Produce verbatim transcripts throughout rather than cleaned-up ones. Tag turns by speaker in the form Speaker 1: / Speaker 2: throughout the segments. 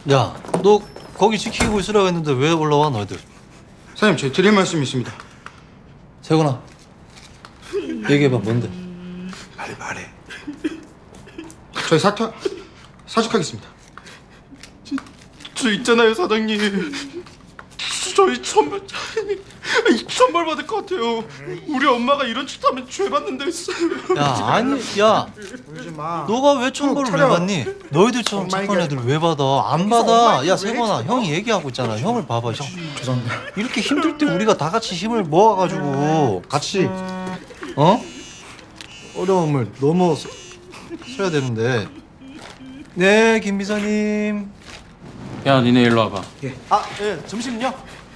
Speaker 1: 야, 너 거기 지키고 있으라고 했는데 왜 올라와 너희들?
Speaker 2: 사장님, 제 드릴 말씀이 있습니다.
Speaker 1: 세곤아, 얘기해봐. 뭔데?
Speaker 2: 말해 말해. 저희 사퇴 사직하겠습니다.
Speaker 3: 저, 저 있잖아요 사장님. 저희 천벌 천벌 받을 것 같아요. 우리 엄마가 이런 짓 하면 죄 받는다 했어요.
Speaker 1: 야, 아니, 야,
Speaker 2: 울지 마.
Speaker 1: 너가 왜 천벌을 왜
Speaker 2: 차려.
Speaker 1: 받니? 너희들처럼
Speaker 2: 엄마
Speaker 1: 착한
Speaker 2: 얘기하지
Speaker 1: 애들
Speaker 2: 마.
Speaker 1: 왜 받아? 안
Speaker 2: 엄마
Speaker 1: 받아.
Speaker 2: 얘기
Speaker 1: 야,
Speaker 2: 왜
Speaker 1: 세곤아,
Speaker 2: 해줘?
Speaker 1: 형이 얘기하고 있잖아. 형을 봐봐, 형.
Speaker 2: 죄송합니다.
Speaker 1: 이렇게 힘들 때 우리가 다 같이 힘을 모아가지고 같이 어 어려움을 넘어서야 되는데. 네, 김 비서님.
Speaker 4: 야, 니네 일로 와봐.
Speaker 3: 아, 예, 점심요?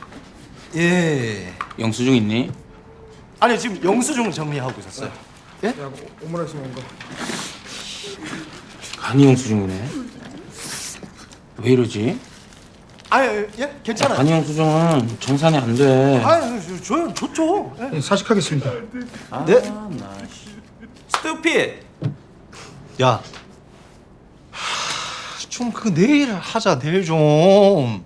Speaker 1: 예.
Speaker 4: 영수증 있니?
Speaker 3: 아니요, 지금 영수증 정리하고 있었어요.
Speaker 2: 야, 오므라이스 먹은 거.
Speaker 4: 간이 영수증이네. 왜 이러지?
Speaker 3: 아, 예, 예, 괜찮아요.
Speaker 4: 간이 영수증은 정산이 안 돼.
Speaker 3: 아, 저, 저 좋죠. 예.
Speaker 2: 네, 사직하겠습니다.
Speaker 1: 네.
Speaker 3: 스투핏.
Speaker 1: 야, 좀 그 내일 하자. 내일 좀.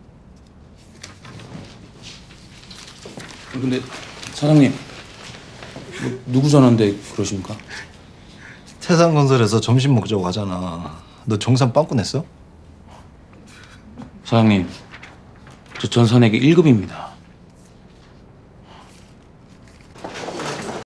Speaker 4: 근데 사장님, 뭐, 누구 전화인데 그러십니까?
Speaker 1: 태산건설에서 점심 먹자고 하잖아. 너 정산 빵꾸 냈어?
Speaker 4: 사장님, 저 전산액이 일 급입니다.